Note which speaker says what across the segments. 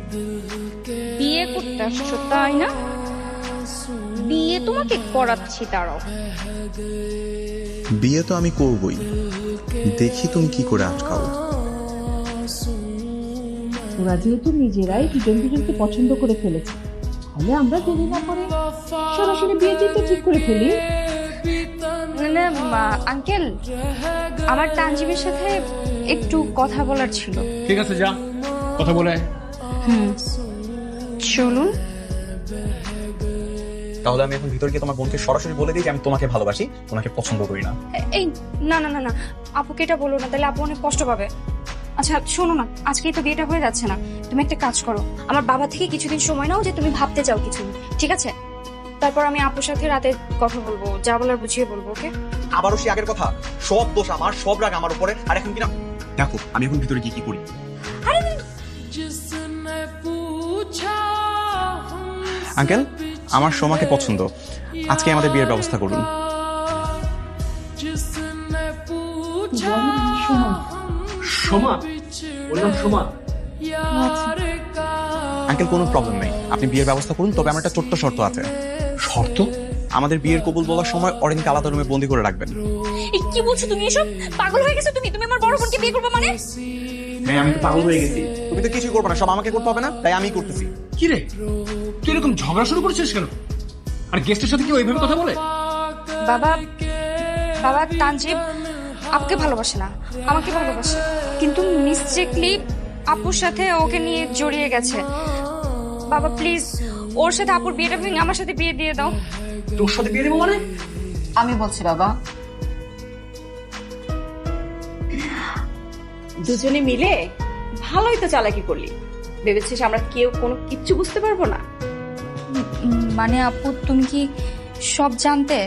Speaker 1: বিয়ে করতে আসছো তাই না? বিয়ে তোমাকে করাচ্ছি, দাঁড়াও।
Speaker 2: বিয়ে তো আমি করবই, দেখি তুমি কি করে আটকাও।
Speaker 3: ওরা যেহেতু নিজেরাই দুজন দুজনকে পছন্দ করে ফেলেছে, তাহলে আমরা দেরি না করে সরাসরি বিয়ে দিতে ঠিক করে ফেলি।
Speaker 1: আঙ্কেল, আমার তানজিমের সাথে একটু কথা বলার ছিল।
Speaker 4: ঠিক আছে, যা কথা বলে।
Speaker 1: চলুন।
Speaker 2: তাহলে আমি এখন ভিতরে গিয়ে তোমার বোনকে সরাসরি বলে দিই যে আমি তোমাকে ভালোবাসি, তোমাকে পছন্দ করি না।
Speaker 1: এই না না না না, আপুকে এটা বলো না, তাহলে আপু অনেক কষ্ট পাবে। আচ্ছা শোনো না, আজকেই তো বিয়েটা হয়ে যাচ্ছে না, তুমি একটা কাজ করো, আমার বাবা থেকে কিছুদিন সময় নাও, যে তুমি ভাবতে চাও কিছু, ঠিক আছে? তারপর আমি আপুর সাথে রাতে কথা বলবো, যা বলার বুঝিয়ে বলবো, ওকে?
Speaker 2: আবারও সে আগের কথা, সব দোষ আমার, সব রাগ আমার উপরে। আর এখন কিনা দেখো আমি এখন ভিতরে গিয়ে কি করি। আঙ্কেল, আমার সোমাকে পছন্দ, আজকে আমাদের বিয়ের ব্যবস্থা করুন।
Speaker 4: সোমা, ওর নাম সোমা।
Speaker 2: আঙ্কেল কোনো প্রবলেম নেই, আপনি বিয়ের ব্যবস্থা করুন, তবে আমার একটা ছোট্ট শর্ত আছে।
Speaker 4: শর্ত?
Speaker 2: আমাদের বিয়ের কবুল বলার সময় অরেনকে আলাদা রুমে বন্দি করে রাখবেন।
Speaker 1: এই কি বলছো তুমি এসব? পাগল হয়ে গেছো তুমি? তুমি আমার বড় বোনকে বিয়ে করবে মানে?
Speaker 2: হ্যাঁ, আমি তো পাগল হয়ে গেছি। তুমি তো কিছুই করবে না, সব আমাকে করতে হবে না, তাই আমি করতেছি।
Speaker 4: কি রে, তুই এরকম ঝগড়া শুরু করেছিস কেন? আর গেস্টের সাথে কি ওইভাবে কথা বলে?
Speaker 1: বাবা, বাবা তানজিব আপুকে ভালোবাসে না, আমাকে ভালোবাসে, কিন্তু মিস্টেকলি আপুর সাথে ওকে নিয়ে জড়িয়ে গেছে। বাবা প্লিজ, ওর সাথে আপুর বিয়েটা ভেঙে আমার সাথে বিয়ে দিয়ে দাও।
Speaker 4: তোর সাথে বিয়ে দেবো মানে?
Speaker 3: আমি বলছি বাবা,
Speaker 5: দুজনে মিলে ভালোই তো চালাকি করলি। ভেবেছিস আমরা কেউ কোনো কিচ্ছু বুঝতে পারবো না?
Speaker 1: মানে আপু তুমি কি সব জানতে?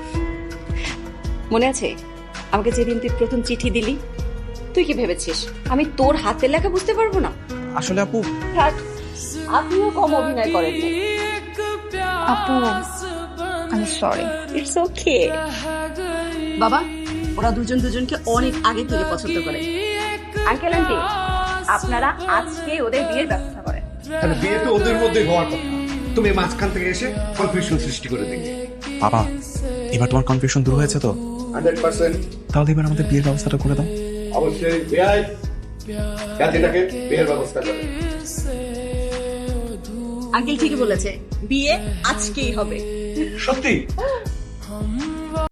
Speaker 5: মনে আছে আমাকে যেদিন তুই প্রথম চিঠি দিলি, তুই কি ভেবেছিস আমি তোর হাতের লেখা বুঝতে পারবো না?
Speaker 2: আসলে আপু,
Speaker 5: থাক, আপনিও কম অভিনয় করেন।
Speaker 1: আপু আমি সরি।
Speaker 5: ইটস ওকে বাবা, ওরা দুজন দুজনকে অনেক আগে থেকে পছন্দ করে। আঙ্কেল আন্টি, আপনারা আজকে ওদের বিয়ের ব্যবস্থা করেন।
Speaker 4: তাহলে বিয়ে তো ওদের মধ্যে হওয়ার কথা, তুমি মাঝখান থেকে এসে কনফিউশন সৃষ্টি করে দিলে।
Speaker 2: বাবা এবার তোমার কনফিউশন দূর হয়েছে তো?
Speaker 4: 100%।
Speaker 2: তাহলে এবার আমাদের বিয়ের ব্যবস্থাটা করে দাও।
Speaker 4: অবশ্যই বিয়াই জাতিটাকে বিয়ের ব্যবস্থা করে।
Speaker 5: আঙ্কেল ঠিকই বলেছে, বিয়ে আজকেই হবে।
Speaker 4: সত্যি?